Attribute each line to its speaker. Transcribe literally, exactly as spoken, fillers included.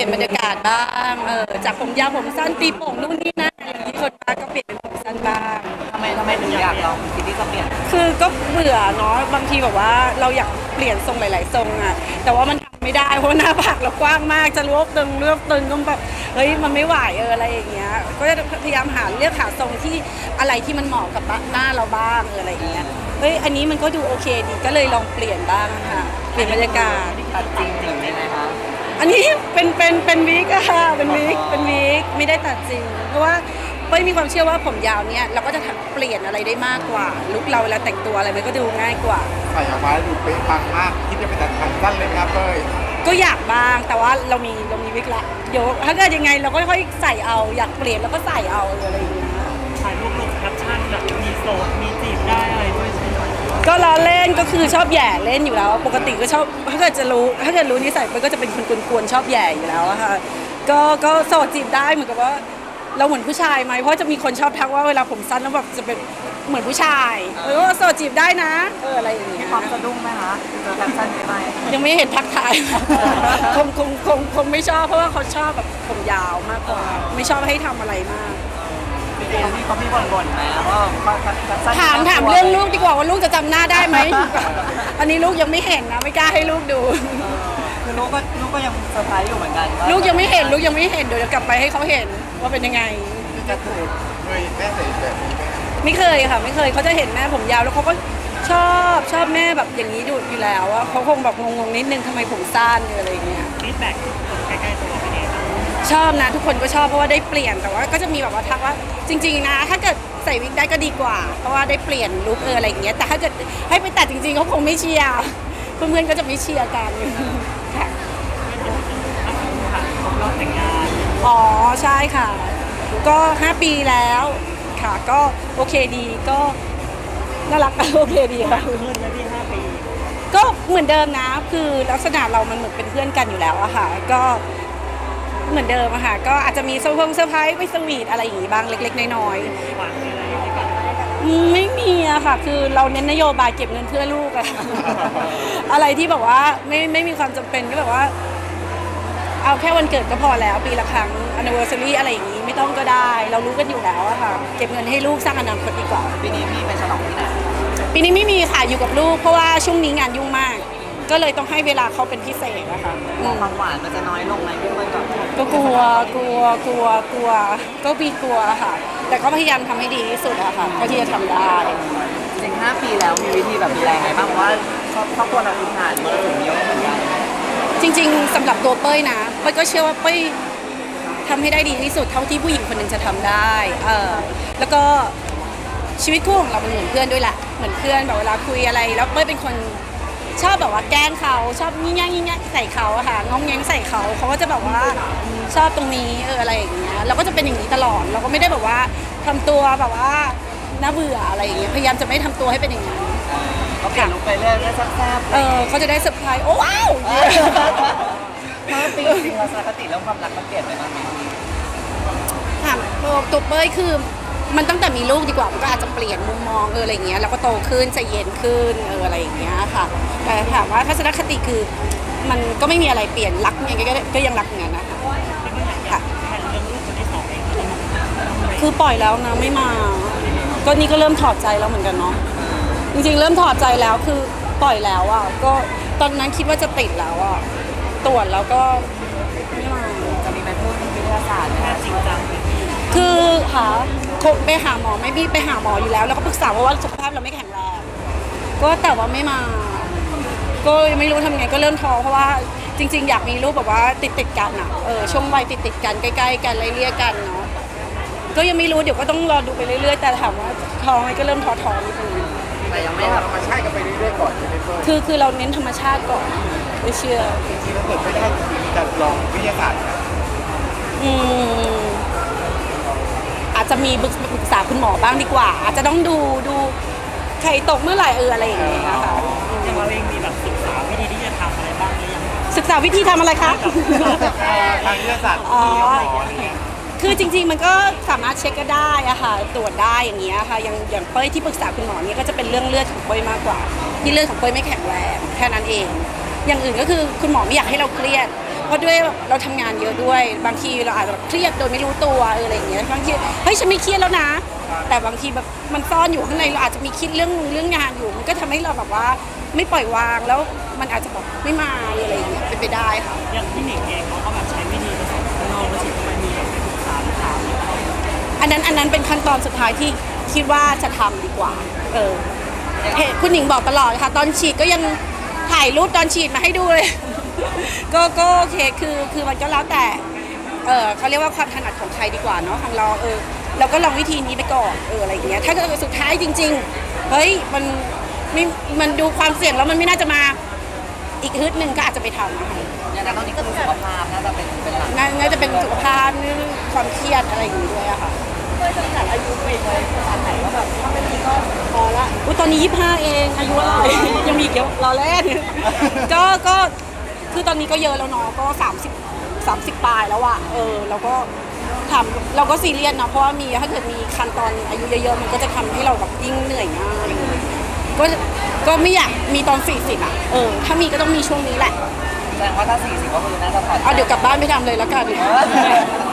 Speaker 1: ลี่ยนบรรยากาศบ้างเออจากผมยาวผมสั้นตีโป่งนู่นนี่นั่นอย่างที่คนมาก็เปลี่ยนเป็นผมสั้นบ้าง
Speaker 2: ทำไมทำไมถึงอยากลองคิดที่จะเปลี่ยน
Speaker 1: คือก็เบื่อเนาะบางทีแบบว่าเราอยากเปลี่ยนทรงหลายๆทรงอะแต่ว่ามันทำไม่ได้เพราะหน้าผากเรากว้างมากจะรวบตึงรวบตึงก็แบบเฮ้ยมันไม่ไหวเอออะไรอย่างเงี้ยก็จะพยายามหาเลือกหาทรงที่อะไรที่มันเหมาะกับหน้าเราบ้างเอออะไรอย่างเงี้ยเฮ้ยอันนี้มันก็ดูโอเคดีก็เลยลองเปลี่ยนบ้างค่ะเปลี่ยนบรรยากาศ
Speaker 2: ตัดจริงจริงได้ไหมคะ
Speaker 1: อันนี้เป็นเป็นเป็นวิกอะค่ะเป็นวิกเป็นวิกไม่ได้ตัดจริงเพราะว่าเป้ยมีความเชื่อว่าผมยาวเนี่ยเราก็จะเปลี่ยนอะไรได้มากกว่าลุคเราเวลาแต่งตัวอะไรมันก็ดูง่ายกว่า
Speaker 3: ใส่ออกมาดูเป๊ะปังมากคิดจะไปตัดทันสั้นเลยไหมครับเป้ย
Speaker 1: ก็อยากบ้างแต่ว่าเรามีเรามีวิกละเดี๋ยวถ้าเกิดยังไงเราก็ค่อยใส่เอาอยากเปลี่ยนแล้วก็ใส่เอาอะไรอย่างเงี้ย
Speaker 4: ถ่ายรูปลงแคปชั่นแบบมีโสดมีจีบได้อะไรด้วยใช่ไหม
Speaker 1: ก็ล้อเล่นก็คือชอบแย่เล่นอยู่แล้วปกติก็ชอบถ้าเกิดจะรู้ถ้าเกิดรู้นิสัยมันก็จะเป็นคนกวนๆชอบแย่อยู่แล้วอะค่ะก็ก็โสดจีบได้เหมือนกับว่าเราเหมือนผู้ชายไหมเพราะจะมีคนชอบทักว่าเวลาผมสั้นแล้วแบบจะเป็นเหมือนผู้ชายเออโสดจีบได้นะเอออะไรอย่างเงี้ย
Speaker 2: ความสะดุ้งไหมคะเจอแคปชั่นนี้ไหม
Speaker 1: ยังไม่เห็นทักทายคงคงคงคงไม่ชอบเพราะว่าเขาชอบแบบผมยาวมากกว่าไม่ชอบให้ทำอะไรมาก
Speaker 2: เขามีเขามีบ่นๆไหมว่า
Speaker 1: ถามถามเรื่องลูกดีกว่าว่าลูกจะจำหน้าได้ไหมอันนี้ลูกยังไม่เห็นนะไม่กล้าให้ลูกดู
Speaker 2: คือลูกก็ลูกก็ยังเซอร์ไพรส์อยู่เหมือนกัน
Speaker 1: ลูกยังไม่เห็นลูกยังไม่เห็นเดี๋ยวจะกลับไปให้เขาเห็นว่าเป็นยังไง
Speaker 3: จะเคยเคยแม่ใส่แบบนี้ไหม
Speaker 1: ไม่เคยค่ะไม่เคยเขาจะเห็นแม่ผมยาวแล้วเขาก็ชอบชอบแม่แบบอย่างนี้ดูอยู่แล้วว่าเขาคงแบบงงๆนิดนึงทำไมผมสั้นอะไรอย่างเงี้ย
Speaker 4: ฟีดแบ็กใกล้ๆตัวเป็นยังไง
Speaker 1: ชอบนะทุกคนก็ชอบเพราะว่าได้เปลี่ยนแต่ว่าก็จะมีแบบว่าทักว่าจริงๆนะถ้าเกิดใส่วิกได้ก็ดีกว่าเพราะว่าได้เปลี่ยนลุคเอออะไรอย่างเงี้ยแต่ถ้าเกิดให้ไปตัดจริงๆเขาคงไม่เชียร์เพื่อนๆก็จะไม่เชียร์กันค่ะ
Speaker 4: เราแต่งงาน
Speaker 1: อ๋อใช่ค่ะก็ห้าปีแล้วค่ะก็โอเคดีก็น่ารักโอเคดีค่ะ
Speaker 4: เพื่อนมาที่ห้าปี
Speaker 1: ก็เหมือนเดิมนะคือลักษณะเรามันเหมือนเป็นเพื่อนกันอยู่แล้วอะค่ะก็เหมือนเดิมอะค่ะก็อาจจะมีเซอร์ไพรส์เซอร์ไพรส์ไม่สวีทอะไรอย่างงี้บ้างเล็กๆน้อยๆไม่มีอะค่ะคือเราเน้นนโยบายเก็บเงินเพื่อลูกอะอะไรที่แบบว่าไม่ไม่มีความจำเป็นก็แบบว่าเอาแค่วันเกิดก็พอแล้วปีละครั้ง anniversary อะไรอย่างนี้ไม่ต้องก็ได้เรารู้กันอยู่แล้วอะค่ะเก็บเงินให้ลูกสร้างอนาคตดีกว่า
Speaker 2: ปีนี้พี่ไปฉลองที่ไหน
Speaker 1: ปีนี้ไม่มีค่ะอยู่กับลูกเพราะว่าช่วงนี้งานยุ่งมากก็เลยต้องให้เวลาเขาเป็นพิเศษอะค่ะ
Speaker 2: ความหวานมันจะน้อยลงไหมพี่เป้ยก่อน
Speaker 1: ก็กลัวกลัวกลัวกลัวก็มีกลัวค่ะแต่ก็พยายามทำให้ดีที่สุดอะค่ะเท่าที่จะทำได้
Speaker 2: จริงห้าปีแล้วมีวิธีแบบดูแลไงบ้างเพราะว่าครอบครัวเราพื้นฐานมันถึงเยอะเหมือนกัน
Speaker 1: จริงๆสำหรับตัวเป้ยนะเป้ยก็เชื่อว่าเป้ยทำให้ได้ดีที่สุดเท่าที่ผู้หญิงคนหนึ่งจะทำได้เออแล้วก็ชีวิตคู่ของเราเป็นเหมือนเพื่อนด้วยแหละเหมือนเพื่อนแบบเวลาคุยอะไรแล้วเป้ยเป็นคนชอบแบบว่าแกล้งเขาชอบยิ่งยิ่งยิ่งใส่เขาอะค่ะง้องแง้งใส่เขาเขาก็จะแบบว่าชอบตรงนี้เอออะไรอย่างเงี้ยเราก็จะเป็นอย่างนี้ตลอดเราก็ไม่ได้แบบว่าทำตัวแบบว่าน่าเบื่ออะไรอย่างเงี้ยพยายามจะไม่ทำตัวให้เป็นอย่างนี้
Speaker 2: เขาเปลี่ยนลุคไปเรื่อยๆแซ่บ
Speaker 1: ๆเออเขาจะได้เซอร์ไพรส์โอ้ว้าว
Speaker 2: ห้าปีจริงๆเราสารคติเรื่องความรักมันเปลี่ยนไปบ้างไหม
Speaker 1: ถามตัวเป้ยคือมันตั้งแต่มีลูกดีกว่ามันก็อาจจะเปลี่ยนมุมมองเอออะไรเงี้ยแล้วก็โตขึ้นใจเย็นขึ้นเอออะไรอย่างเงี้ยค่ะแต่ถามว่าทัศนคติคือมันก็ไม่มีอะไรเปลี่ยนรักยังไงก็ยังรักอย่างนั้นนะคะค่ะคือปล่อยแล้วนะไม่มาก็นี่ก็เริ่มถอดใจแล้วเหมือนกันเนาะจริงๆเริ่มถอดใจแล้วคือปล่อยแล้วอ่ะก็ตอนนั้นคิดว่าจะติดแล้วอ่ะตรวจแล้วก็ไม่มา
Speaker 2: จะมีไปพูดวิทยาศาสตร์แค่จริงจัง
Speaker 1: คือหาไปหาหมอไม่พี่ไปหาหมออยู่แล้วแล้วก็ปรึกษาเพราะว่าสุขภาพเราไม่แข็งแรงก็แต่ว่าไม่มาก็ไม่รู้ทำไงก็เริ่มท้อเพราะว่าจริงๆอยากมีลูกแบบว่าติดติดกันอ่ะเออช่วงวัยติดติดกันใกล้ๆกันไล่เลี่ยกันเนาะก็ยังไม่รู้เดี๋ยวก็ต้องรอดูไปเรื่อยๆแต่ถามว่าท้อไหมก็เริ่มท้อท้อนิดนึง
Speaker 3: แต่ยังไม่ธรรมชาติกันไปเรื่อยๆก่อนใช่ไหมเพื่อน
Speaker 1: คือคือเราเน้นธรรมชาติก่อนไม่เชื่อ
Speaker 3: จริงๆถ้าเกิดไม่ได้จะลองวิทยาศาสตร์
Speaker 1: อืมอาจจะมีปรึกษาคุณหมอบ้างดีกว่าอาจจะต้องดูดูไข่ตกเมื่อไหร่เอออะไรอย่างเงี้ยค่ะ
Speaker 4: อย่างเราเองมีแบบศึกษาวิธีที่จะทำอะไรบ้างหรือยัง
Speaker 1: ศึกษาวิธีทำอะไรคะ
Speaker 3: ทางวิทยาศาสตร์
Speaker 1: อ๋อคือจริงๆมันก็สามารถเช็คก็ได้อะค่ะตรวจได้อย่างเงี้ยค่ะอย่างอย่างเป้ยที่ปรึกษาคุณหมอเนี่ยก็จะเป็นเรื่องเลือดของเป้ยมากกว่าที่เลือดของเป้ยไม่แข็งแรงแค่นั้นเองอย่างอื่นก็คือคุณหมอไม่อยากให้เราเครียดเพราะด้วยเราทำงานเยอะด้วยบางทีเราอาจจะแบบเครียดโดยไม่รู้ตัวเอออะไรอย่างเงี้ยบางทีเฮ้ยฉันไม่เครียดแล้วนะ แต่บางทีแบบมันซ่อนอยู่ข้างในเราอาจจะมีคิดเรื่องเรื่องงานอยู่มันก็ทำให้เราแบบว่าไม่ปล่อยวางแล้วมันอาจจะแบบไม่มาอะไรอย่างเงี้ยเป็นไปได้ค่ะ
Speaker 4: อย่างพี่หนิงเองเขาก็แบบใช้วิธีผสมข้างนอกแล้วฉีดเข้าไปมีแบบไปปรึกษาลูกค้าไหมครับ
Speaker 1: อันนั้นอันนั้นเป็นขั้นตอนสุดท้ายที่คิดว่าจะทำดีกว่า เออเห็นคุณหญิงบอกตลอดค่ะ ตอนฉีดก็ยังถ่ายรูปตอนฉีดมาให้ดูเลย ก็ก็โอเคคือคือมันก็แล้วแต่ เออเขาเรียกว่าความถนัดของใครดีกว่าเนาะของเราเออเราก็ลองวิธีนี้ไปก่อนเอออะไรอย่างเงี้ยถ้าเกิดสุดท้ายจริงๆเฮ้ยมันไม่มันดูความเสี่ยงแล้วมันไม่น่าจะมาอีกฮึดหนึ่งก็อาจจะไปทำนะคะ
Speaker 2: อย่างนั้นตอนนี้ก็คือสุขภาพน่าจะเป็นเป็นหลัก
Speaker 1: น่าน่าจะเป็นสุขภาพเรื่องความเครียดอะไรอย่างงี้ด้วยอะค่ะ
Speaker 2: เคยจำกัดอายุไปไว้ขนาดไหนว่าแบบถ้าไม่มีก็พอละ
Speaker 1: อุ้ยตอนนี้ยี่สิบห้าเองอายุอะไร ยังมีอีกเยอะรอเล่น ก็ก็คือตอนนี้ก็เยอะแล้วเนาะก็สามสิบสามสิบปลายแล้วอะเออเราก็ทำเราก็ซีเรียสเนาะเพราะว่ามีถ้าเกิดมีคันตอนอายุเยอะๆมันก็จะทำให้เราแบบยิ่งเหนื่อยง่ายก็ก็ไม่อยากมีตอนสี่สิบอะเออถ้ามีก็ต้องมีช่วงนี้แหละ
Speaker 2: แสดงว่าถ้าสี่สิบก็คือน่าจะผ่อน
Speaker 1: เอาเดี๋ยวกลับบ้านไปทำเลยแล้วกัน
Speaker 2: เออ